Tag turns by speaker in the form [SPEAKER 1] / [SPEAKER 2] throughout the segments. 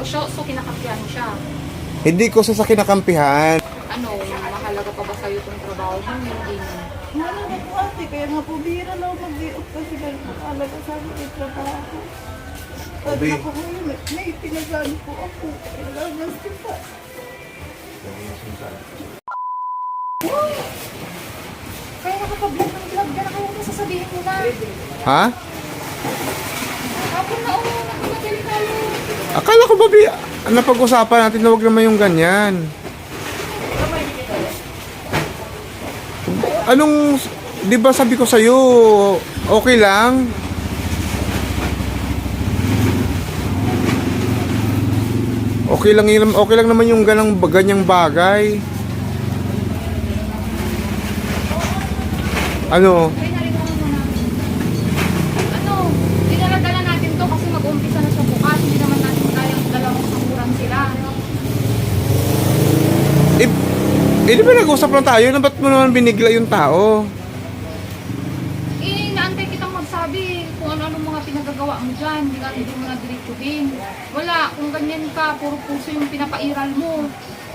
[SPEAKER 1] So kinakampihan mo siya.
[SPEAKER 2] Hindi ko sa kinakampihan.
[SPEAKER 1] Ano, mahalaga pa ba sa'yo itong trabaho mo? Hindi na.
[SPEAKER 3] Ano na po ate, kaya nga po bihira na ako mag-i-off kasi ganun mahalaga sa akin yung trabaho. At
[SPEAKER 2] Obi.
[SPEAKER 3] ako ngayon, may pinagano po ako. Kailangan pa.
[SPEAKER 1] Kaya nakapag-vlog ng vlog ka na kayo na sasabihin mo na.
[SPEAKER 2] Ha?
[SPEAKER 1] Hapon na nagmamadali tayo.
[SPEAKER 2] Akala ko ba, napag-usapan natin na huwag naman yung ganyan. Anong, di ba sabi ko sa'yo, okay lang? Okay lang naman yung ganyang bagay. Ano?
[SPEAKER 1] Kaya narinig mo na. Ano, dinaladala natin to kasi mag-umpisa na siya bukas. Hindi naman natin kayang dalawang sakuran sila.
[SPEAKER 2] Di ba nag-usap lang tayo? Na ba't mo naman binigla yung tao?
[SPEAKER 1] Naantay kitang magsabi kung ano-ano mga pinagagawa mo dyan. Hindi mo na diretsuhin. Wala, kung ganyan ka, puro puso yung pinapairal mo.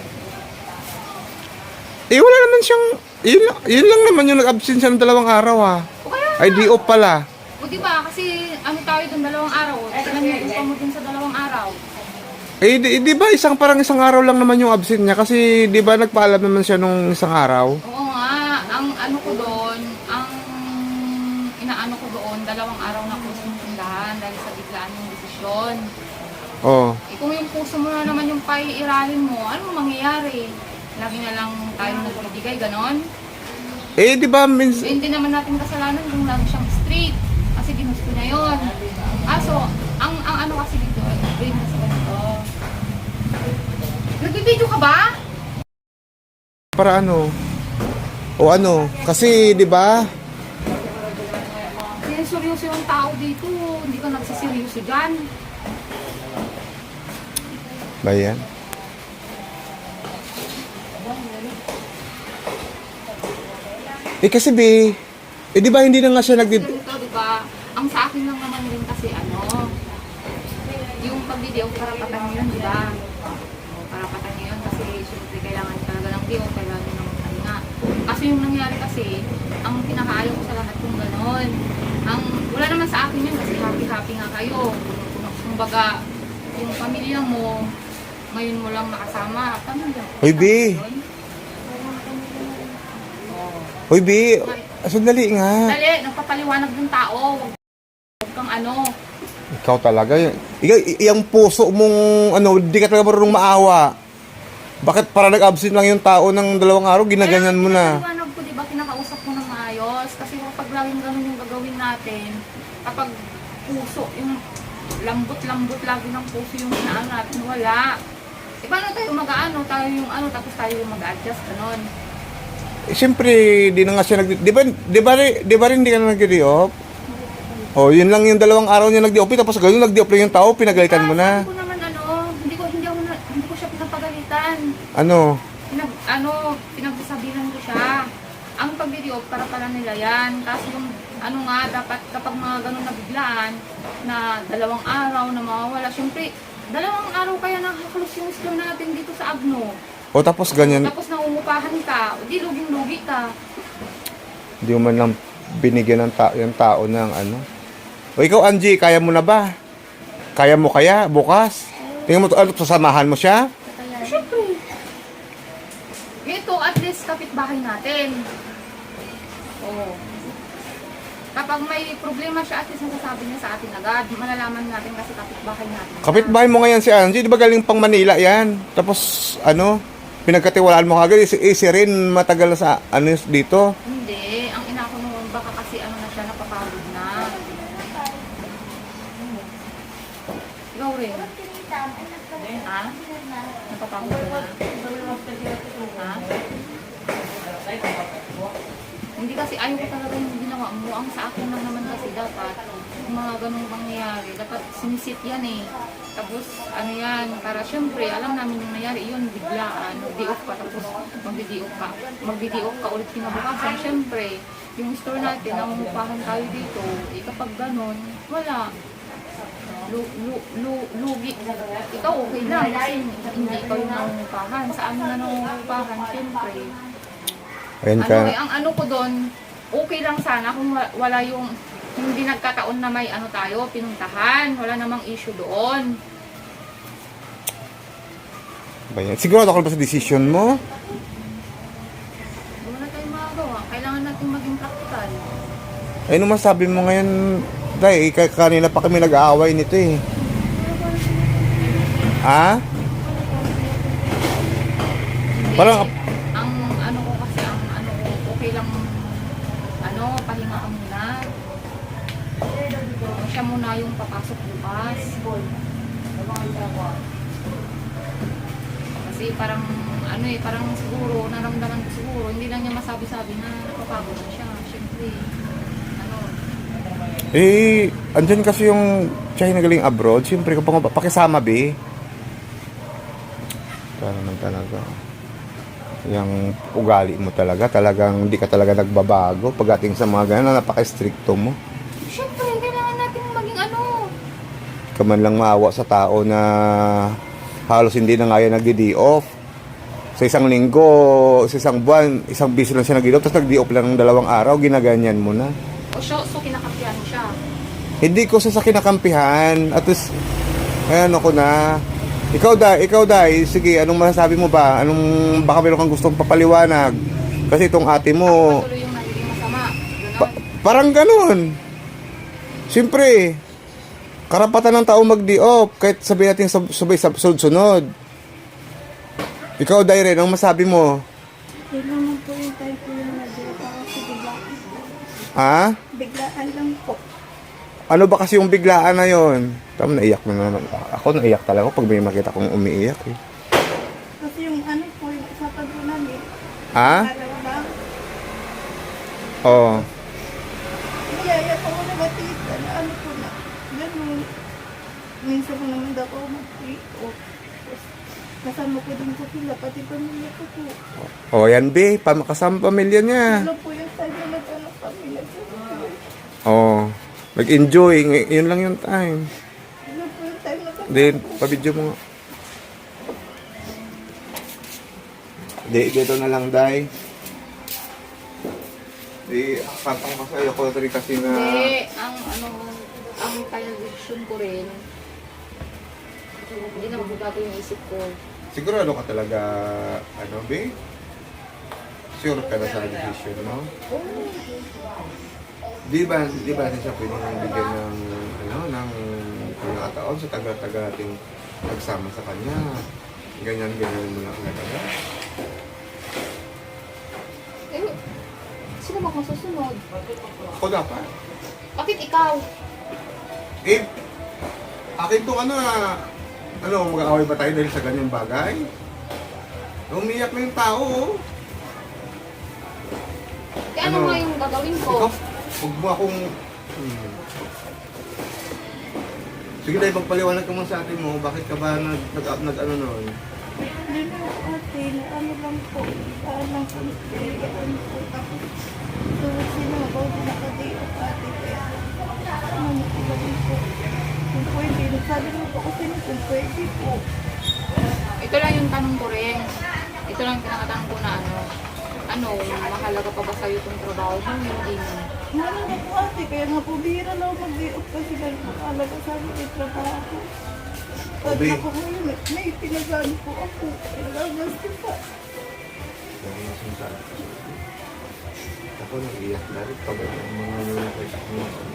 [SPEAKER 2] Wala naman siyang, yun lang naman yung nag-absent siya ng 2 araw
[SPEAKER 1] O kaya
[SPEAKER 2] Ay, di off pala.
[SPEAKER 1] O diba, kasi ano tayo dun 2 araw. Ilan yung upa mo dun sa 2 araw.
[SPEAKER 2] Di ba parang isang araw lang naman yung absent niya? Kasi di ba nagpaalam naman siya nung isang araw?
[SPEAKER 1] Oo nga, ang ano ko doon, ang inaano ko doon, 2 araw na ko sinundahan dahil sa biglaan yung desisyon.
[SPEAKER 2] Oo.
[SPEAKER 1] Kung yung puso mo na naman yung paiiralin mo, ano mangyayari? Lagi na lang tayong nagbibigay, ganon?
[SPEAKER 2] Di ba
[SPEAKER 1] Hindi naman natin kasalanan kung lagi siyang straight. Kasi ginusto niya yun. So, ang ano kasi dito, brain na sa ganito. Nagbibideo ka ba?
[SPEAKER 2] para ano? O ano? Kasi di ba?
[SPEAKER 1] Kaya seryoso yung tao dito. Hindi ka nagsiseryoso dyan.
[SPEAKER 2] Ba yan? Kasi di ba hindi na nga siya
[SPEAKER 1] Ganito, di ba? Ang sa akin lang naman rin kasi yung pag-video, karapatan nyo yun, di ba? Karapatan nyo yun kasi syempre kailangan talaga ng video, kailangan nyo ng pahinga. Kasi yung nangyari kasi, ang pinakaayaw ko sa lahat kung ganon. Wala naman sa akin yun kasi happy-happy nga kayo. Kumbaga, yung pamilya mo, ngayon mo lang nakasama. Pamilya.
[SPEAKER 2] Hoy, B. Hoy, B. Sandali nga.
[SPEAKER 1] Dali, nagpapaliwanag ng tao. Huwag kang ano.
[SPEAKER 2] Ikaw talaga. Yung puso mong, di ka talaga marunong maawa. Bakit para nag-absent lang yung tao ng 2 araw, ginaganyan mo na?
[SPEAKER 1] Paliwanag ko, diba, kinakausap ko ng maayos. Kasi kapag laging ganun yung gagawin natin, kapag puso, yung lambot-lambot lagi ng puso yung inaano natin, wala. Paano tayo mag-ano, tayo yung tapos tayo yung mag-adjust, ganun.
[SPEAKER 2] Siyempre, di na nga siya di ba rin hindi ka na nag-di-off? Oh, yun lang yung 2 araw niya nag-di-off, tapos gano'n nag-di-off lang yung tao, pinagalitan mo na.
[SPEAKER 1] Sabi ko naman hindi ko siya pinapagalitan.
[SPEAKER 2] Ano?
[SPEAKER 1] Pinagsasabihan ko siya. Ang pag-video para pala nila yan. Kasi yung dapat kapag mga ganun na biglaan, na 2 araw na mawawala, syempre, 2 araw kaya nakakalus yung store natin dito sa Agno.
[SPEAKER 2] O tapos ganyan,
[SPEAKER 1] Tapos nangungupahan ka, o di luging-lugi ka.
[SPEAKER 2] di mo man lang binigyan ng yung tao ng ano. O ikaw, Angie, kaya mo na ba? Kaya mo kaya bukas? Tingnan mo, sasamahan mo siya?
[SPEAKER 1] Syempre. Ito, at least kapitbahay natin. Oo. Kapag may problema siya, at least nasasabi niya sa atin agad. Malalaman natin kasi kapitbahay natin.
[SPEAKER 2] Kapitbahay mo ngayon si Angie, di ba galing pang Manila yan? Tapos, pinagkatiwalaan mo kagad, si rin matagal na sa, dito.
[SPEAKER 1] Hindi. Ang inako noon, baka kasi na siya, napapagod na. Ikaw rin. Ha? Napapagod ka na. Ha? Hindi kasi ayaw ko talaga yung ginawa mo. Ang sa akin lang naman kasi dapat, kung mga ganung mangyayari, dapat sinisit yan eh. Tapos, yan, para syempre, alam namin yung nangyari, yun, biglaan, mag-di-off ka, tapos mag-di-off ka ulit kinabukasan. Syempre, yung store natin, nangungupahan tayo dito, kapag ganun, wala. lugi. Ikaw okay lang kasi hindi ikaw yung nangungupahan. Sa amin na nangungupahan, siyempre.
[SPEAKER 2] Ayan
[SPEAKER 1] Ano
[SPEAKER 2] ka.
[SPEAKER 1] ang ano ko doon, okay lang sana kung wala yung hindi nagkataon na may ano tayo, pinuntahan. Wala namang issue doon.
[SPEAKER 2] Ba yan? Sigurado ka ba sa decision mo?
[SPEAKER 1] Wala tayong magagawa. Kailangan natin maging practical.
[SPEAKER 2] Ay, ano masabi mo ngayon, Day? Kanina pa kami nag-aaway nito eh. Ha? Parang,
[SPEAKER 1] Ang ano ko kasi, ang ano ko, okay lang, ano, pahinga ka muna. Siya muna yung papasok bukas. Kasi parang, ano eh, parang siguro, naramdaman ko siguro, hindi lang niya masabi-sabi na napapagod na siya. Siyempre, ano,
[SPEAKER 2] eh, andyan kasi yung China galing abroad. Siyempre, kung pakisama, be. Para naman talaga. Yung ugali mo talaga. Talagang hindi ka talaga nagbabago. Pagdating sa mga ganun, napaka-stricto mo.
[SPEAKER 1] siyempre, kailangan natin maging ano.
[SPEAKER 2] Ka man lang maawa sa tao na halos hindi na nga yan nagdi-day off. Sa isang linggo, sa isang buwan, isang biso lang siya nag-day off, tapos nag-day off lang ng 2 araw, ginaganyan mo na.
[SPEAKER 1] O siya, so kinakapihan siya.
[SPEAKER 2] Hindi ko sa kinakampihan. At least, ayan ako na. Ikaw dai, sige, anong masasabi mo ba? Baka meron kang gustong papaliwanag? Kasi itong ate mo,
[SPEAKER 1] Patuloy yung nagiging masama. Ganon.
[SPEAKER 2] parang ganun. Siyempre, karapatan ng tao mag-day off, kahit sabihin natin sabay sa sunod. Ikaw dai rin, anong masabi mo?
[SPEAKER 3] Hindi naman po yung time ko yung nag-iop ako kasi biglaan.
[SPEAKER 2] Ha?
[SPEAKER 3] Biglaan lang po.
[SPEAKER 2] Ano ba kasi yung biglaan na yon? Tama, naiyak na naman. Ako naiyak talaga pag may makita kong umiiyak eh.
[SPEAKER 3] Kasi yung ano po, yung usapan po namin.
[SPEAKER 2] Ha?
[SPEAKER 3] Araw lang.
[SPEAKER 2] Oo.
[SPEAKER 3] Niyaya po ako na batista na ano po na. Ganun. Minsan ko naman daw ako mag-pre-op. Kasama ko din po sila, pati pamilya ko po.
[SPEAKER 2] O yan be, kasama pamilya niya.
[SPEAKER 3] Ano po yung time na nag-anak kami, nag-enjoy.
[SPEAKER 2] Oo. Mag-enjoy, yun lang yung time.
[SPEAKER 3] Ano po yung time na
[SPEAKER 2] Then, pabidyo mo nga. Dito na lang, Day. Kapang ko sa'yo ko rin kasi na...
[SPEAKER 1] Hindi, ang ano, ang television ko rin, hindi na magbabago yung isip ko.
[SPEAKER 2] Sigurado ka talaga, ano, be? Sure ka na sa decision mo? Di ba siya pwedeng bigyan ng, ano, ng pagkakataon sa tagal-tagal nating nagsama sa kanya? Ganyan mo lang talaga.
[SPEAKER 1] Eh, sino ba kung susunod?
[SPEAKER 2] Ako dapat.
[SPEAKER 1] Bakit ikaw?
[SPEAKER 2] Eh, akin tong ano, mag-aaway ba tayo dahil sa ganyang bagay? Umiyak na yung tao, oh.
[SPEAKER 1] Kaya ano
[SPEAKER 2] Ano?
[SPEAKER 1] nga yung gagawin ko?
[SPEAKER 2] Ikaw, huwag mo akong... Sige dahil magpaliwanag ka mo sa atin mo, bakit ka ba nag-ano nun?
[SPEAKER 3] Hindi na po ate, na ano lang po. Saan lang po, ano po. Tapos, sino ba, nakadi-op ate. Kaya, ano po lang po. Kung pwede, nagsabi mo po kasi na kung pwede po.
[SPEAKER 1] Ito lang yung tanong ko rin. Ito lang yung pinakatanong ko na ano, mahalaga pa ba sa'yo itong trabaho mo? Hindi mo.
[SPEAKER 3] Ano na po ate, kaya nga po bihira lang ako mag-di-op kasi dahil po alaga sa akin yung trabaho. Pag
[SPEAKER 2] Obe.
[SPEAKER 3] ako ngayon, may pinagano po ako. Nagagastos pa.
[SPEAKER 2] Ako nag-iyak na rin pag mga nakita ko.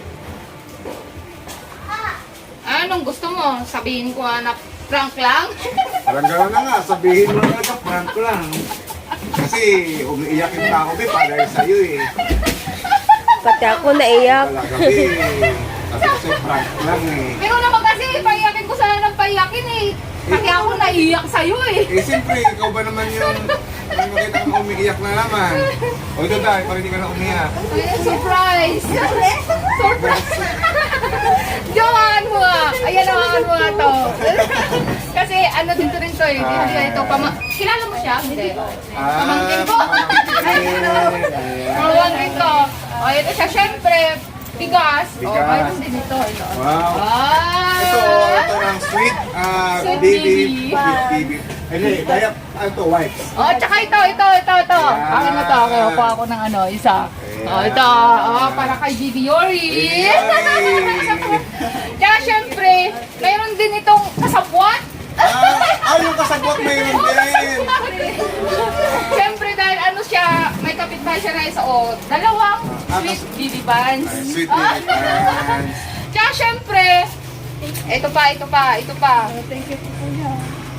[SPEAKER 1] Anong gusto mo? Sabihin ko na prank lang?
[SPEAKER 2] Parang gano'n na nga, sabihin mo na talaga, prank ko lang. Kasi umiiyak yung tao, be, para sa'yo eh.
[SPEAKER 4] Pati ako naiyak.
[SPEAKER 2] Talaga, be. Sabi ko sa'yo, prank lang eh.
[SPEAKER 1] Pero naman kasi, paiyakin ko sana ng paiyakin eh. Pati ako naiiyak sa'yo eh.
[SPEAKER 2] Eh, siyempre, ikaw ba naman yung may makita kang umiiyak na naman? O ito dahil, parang hindi ka na umiyak.
[SPEAKER 1] Ay, surprise! Surprise! Johan mo nga! Ayan naman mo nga to. Kasi ano dito rin to eh. Hindi ito. Kilala mo siya? Hindi. Pamangkin ko.
[SPEAKER 2] pamangkin.
[SPEAKER 1] Pamangkin ko. O ito siya, syempre. Bigas. Oh,
[SPEAKER 2] Bigas.
[SPEAKER 1] mayroon din ito. Ito.
[SPEAKER 2] Wow.
[SPEAKER 1] Ah!
[SPEAKER 2] Ito ng sweet,
[SPEAKER 1] Sweet
[SPEAKER 2] baby.
[SPEAKER 1] baby.
[SPEAKER 2] Sweet baby. Hindi, kaya, ito, wipes.
[SPEAKER 1] Oh, tsaka ito.
[SPEAKER 2] Ayan.
[SPEAKER 1] Akin na to. Okay, kuha ako ng ano, isa. Oh,
[SPEAKER 2] Ayan.
[SPEAKER 1] ito. Oh, para kay Bibi Yori.
[SPEAKER 2] Yay!
[SPEAKER 1] Tsaka syempre, mayroon din itong kasabwat.
[SPEAKER 2] Yung kasabot mayroon din.
[SPEAKER 1] Syempre dahil ano siya, may kapitbahay siya na isa o dalawang sweet Bibi Buns.
[SPEAKER 2] Ay, sweet baby pants.
[SPEAKER 1] Tsaka syempre, ito pa.
[SPEAKER 3] Thank you po kuya.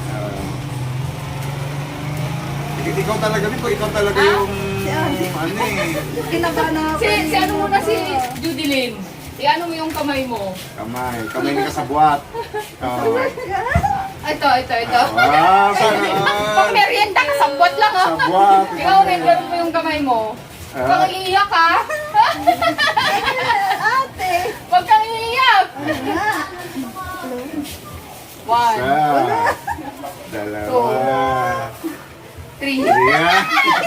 [SPEAKER 2] Ikaw talaga nito, ikaw talaga yung, ano eh,
[SPEAKER 3] Kinabahan na ako.
[SPEAKER 1] Si ano muna si Judy Lynn. Iano mo yung kamay mo.
[SPEAKER 2] kamay ni kasabwat. Oh.
[SPEAKER 1] Ito.
[SPEAKER 2] Wow, sana
[SPEAKER 1] Pang merienda, kasabwat lang ha.
[SPEAKER 2] Sabwat.
[SPEAKER 1] Ikaw rin, ganun mo yung kamay mo. Huwag kang iiyak ha.
[SPEAKER 3] Ate.
[SPEAKER 1] Huwag kang iiyak. One,
[SPEAKER 2] Isa, dalawa,
[SPEAKER 1] 3.
[SPEAKER 2] yeah.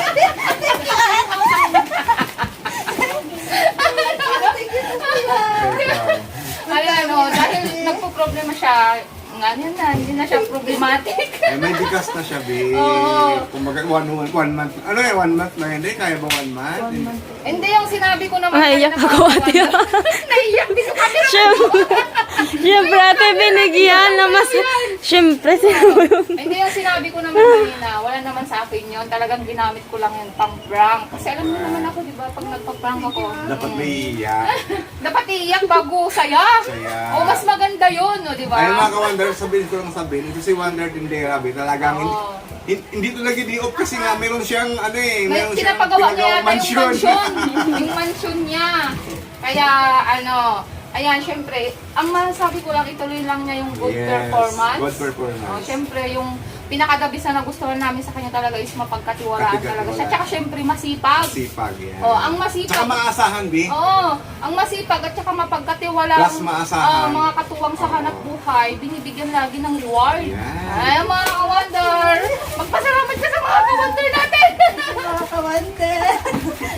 [SPEAKER 1] Ayan o, dahil nagpo-problema siya, ganyan na, hindi na siya problematic.
[SPEAKER 2] May bigas na siya, babe.
[SPEAKER 1] Oo.
[SPEAKER 2] Kumbaga, one month. Ano eh, 1 month na hindi? Kaya ba 1 month?
[SPEAKER 1] Hindi yung sinabi ko naman.
[SPEAKER 4] Naiyak
[SPEAKER 1] kanina,
[SPEAKER 4] ako, ate.
[SPEAKER 1] Naiyak din yung kami.
[SPEAKER 4] Siyempre, ate, binigyan na mas... Siyempre,
[SPEAKER 1] Hindi yung sinabi ko naman kanina, wala naman sa akin yun. Talagang ginamit ko lang yun pang prank. Kasi alam mo naman ako, di ba, pag nagpa-prank ako,
[SPEAKER 2] Dapat may iiyak.
[SPEAKER 1] dapat iiyak bago saya.
[SPEAKER 2] Saya.
[SPEAKER 1] O mas maganda yun, o, di ba?
[SPEAKER 2] Ayun mga ka-Wonder, sabihin ko lang sabihin, ito si Wonder Tindera, talagang
[SPEAKER 1] Oo.
[SPEAKER 2] hindi to lagi di-off kasi nga meron siyang ano eh,
[SPEAKER 1] May
[SPEAKER 2] meron siyang
[SPEAKER 1] pinapagawa niya yata
[SPEAKER 2] mansion.
[SPEAKER 1] yung mansion niya. Kaya ano, ayan, syempre, ang masasabi ko lang, ituloy lang niya yung good
[SPEAKER 2] Yes,
[SPEAKER 1] performance.
[SPEAKER 2] good performance.
[SPEAKER 1] Oh, syempre, yung pinakadabis na nagustuhan namin sa kanya talaga is mapagkatiwalaan talaga siya. Tsaka syempre, masipag.
[SPEAKER 2] Sipag yan.
[SPEAKER 1] Oh, ang
[SPEAKER 2] Tsaka
[SPEAKER 1] masipag.
[SPEAKER 2] maasahan, Bi.
[SPEAKER 1] Oo, ang masipag at saka mapagkatiwalaan.
[SPEAKER 2] Plus maasahan.
[SPEAKER 1] Mga katuwang sa hanap buhay, binibigyan lagi ng reward.
[SPEAKER 2] Yan.
[SPEAKER 1] Ay, mga ka-wonder, magpasalamat ka sa mga ka-wonder natin.
[SPEAKER 3] Mga kawante.